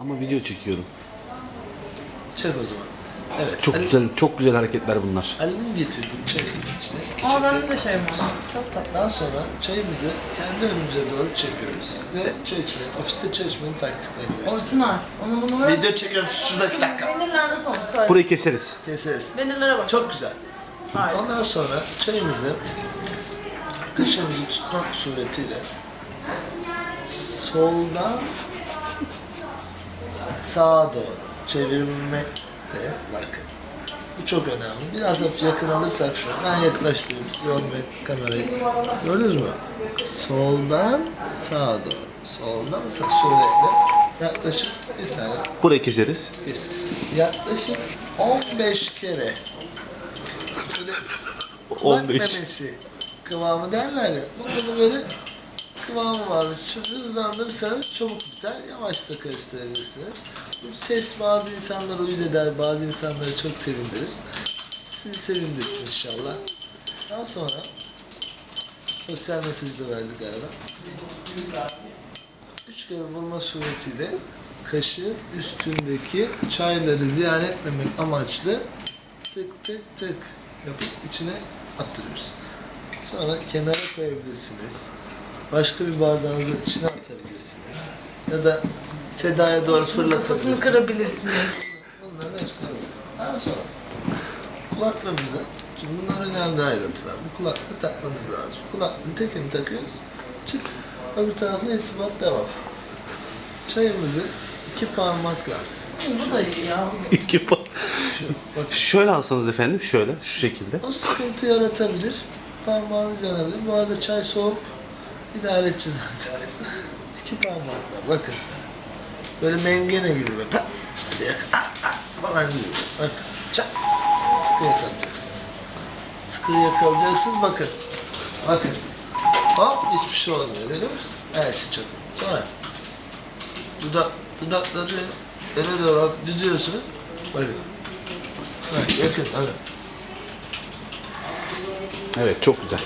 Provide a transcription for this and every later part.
Ama video çekiyorum. Çek o zaman. Evet. Çok güzel hareketler bunlar. Ali'nin getirdiği çayın içine. Aa bende de şey var. Çok tatlı. Daha sonra çayımızı kendi önümüze doğru çekiyoruz. Ve çay içmeyi, ofiste çay içmenin taktiklerini gösteriyoruz. Orijinal. Onu bunu ver. Video çekiyorum şuradaki dakika. Peynirler nasıl olmuş söyle. Burayı keseriz. Keseriz. Peynirlere bak. Çok güzel. Hayır. Ondan sonra çayımızı kaşığımızı tutmak suretiyle soldan sağa doğru çevirmek de bakın. Bu çok önemli. Biraz hafif yakın alırsak şu an. Ben yaklaştırayım. Siz yormayın kamerayı. Gördünüz mü? Soldan sağa doğru. Soldan sağa suretle yaklaşık bir saniye Burayı keseriz. kes. Yaklaşık 15 kere böyle kulak 15. memesi kıvamı derler ya. Bunda da böyle kıvamı var. Çok hızlandırırsanız çabuk biter. Yavaş da karıştırabilirsiniz. Bu ses bazı insanları uyuz eder, bazı insanları çok sevindirir. Sizi sevindirsin inşallah. Daha sonra sosyal mesaj da verdik arada. 3 kere vurma suretiyle kaşığın üstündeki çayları ziyan etmemek amaçlı tık tık tık yapıp içine attırıyoruz. Sonra kenara koyabilirsiniz. Başka bir bardağınızın içine atabilirsiniz. Ya da Seda'ya doğru Kafasını fırlatabilirsiniz. kırabilirsiniz. Bunların hepsini yapıyoruz. Daha sonra kulaklarımıza, şimdi bunlar önemli ayrıntılar. Bu kulaklığı takmanız lazım. Kulaklığın tekini takıyoruz. Çık. Öbür tarafına irtibat devam. Çayımızı 2 parmakla. Bu da iyi ya. Bakın. Şöyle alsanız efendim, şöyle, şu şekilde. O sıkıntı yaratabilir. Parmağınız yanabilir. Bu arada çay soğuk. İdare edeceğiz zaten. 2 parmakla bakın. Böyle mengene gibi böyle pat diye falan gibi. Bakın. Çak. Sıkı yakalayacaksınız. Sıkı yakalayacaksınız. Bakın. Bakın. Hop hiçbir şey olmuyor. Görüyor musunuz? Her şey çok iyi. Sonra dudakları öne doğru düzüyorsunuz. Bakın. Bak yakın. Hadi. Evet, çok güzel.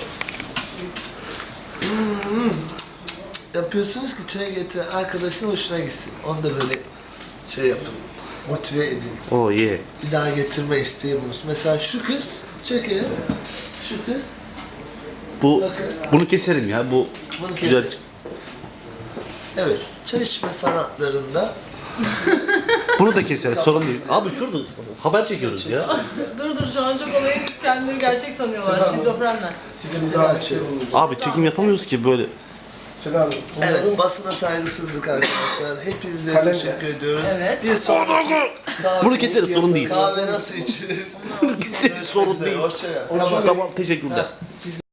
Yapıyorsunuz ki çay getiren arkadaşın hoşuna gitsin. Onu da böyle şey yapın. Motive edin. Oh yeah. Bir daha getirme isteği bulunsun. Mesela şu kız, çekelim. Şu kız, Bunu keserim ya. Bu bunu güzel. keselim. Evet, çay içme sanatlarında Bunu da keseriz. Sorun değil. Abi şurada haber çekiyoruz ya. Dur şu an çok olayı kendileri gerçek sanıyorlar. Şizofrenler. size açıyorum. Abi çekim yapamıyoruz ki böyle. Selam. Evet, basına saygısızlık arkadaşlar. Hepinize teşekkür ediyoruz. Evet. Bir sonraki kahve, Bunu keseriz, sorun değil. kahve nasıl içilir? Bunu keseriz, sorun değil. Hoşçakalın. Tamam, teşekkürler. Siz